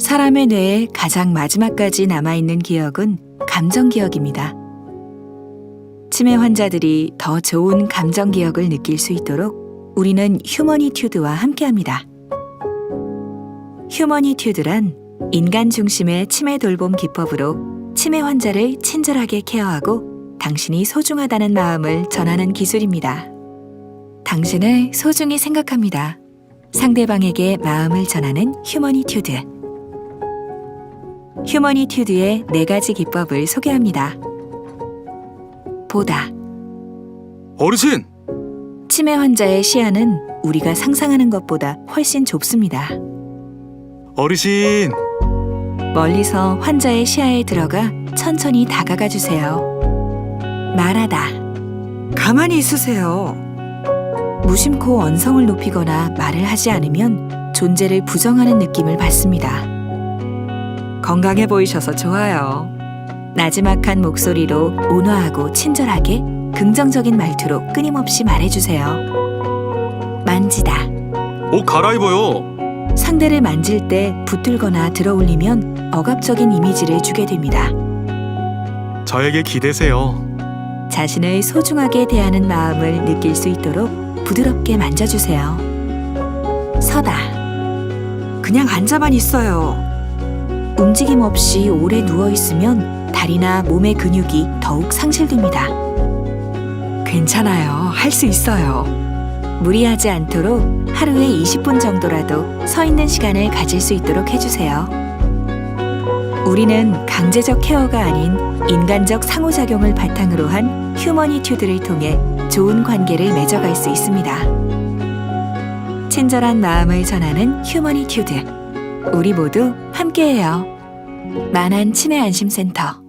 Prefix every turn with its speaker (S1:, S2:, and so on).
S1: 사람의 뇌에 가장 마지막까지 남아있는 기억은 감정 기억입니다. 치매 환자들이 더 좋은 감정 기억을 느낄 수 있도록 우리는 휴머니튜드와 함께합니다. 휴머니튜드란 인간 중심의 치매 돌봄 기법으로 치매 환자를 친절하게 케어하고 당신이 소중하다는 마음을 전하는 기술입니다. 당신을 소중히 생각합니다. 상대방에게 마음을 전하는 휴머니튜드. 휴머니튜드의 4가지 기법을 소개합니다. 보다.
S2: 어르신!
S1: 치매 환자의 시야는 우리가 상상하는 것보다 훨씬 좁습니다.
S2: 어르신!
S1: 멀리서 환자의 시야에 들어가 천천히 다가가 주세요. 말하다.
S3: 가만히 있으세요.
S1: 무심코 언성을 높이거나 말을 하지 않으면 존재를 부정하는 느낌을 받습니다.
S3: 건강해 보이셔서 좋아요.
S1: 나지막한 목소리로 온화하고 친절하게 긍정적인 말투로 끊임없이 말해주세요. 만지다.
S2: 옷 갈아입어요!
S1: 상대를 만질 때 붙들거나 들어올리면 억압적인 이미지를 주게 됩니다.
S2: 저에게 기대세요.
S1: 자신을 소중하게 대하는 마음을 느낄 수 있도록 부드럽게 만져주세요. 서다.
S3: 그냥 앉아만 있어요.
S1: 움직임 없이 오래 누워있으면 다리나 몸의 근육이 더욱 상실됩니다.
S3: 괜찮아요. 할 수 있어요.
S1: 무리하지 않도록 하루에 20분 정도라도 서 있는 시간을 가질 수 있도록 해주세요. 우리는 강제적 케어가 아닌 인간적 상호작용을 바탕으로 한 휴머니튜드를 통해 좋은 관계를 맺어갈 수 있습니다. 친절한 마음을 전하는 휴머니튜드. 우리 모두 함께해요. 만한 치매 안심센터.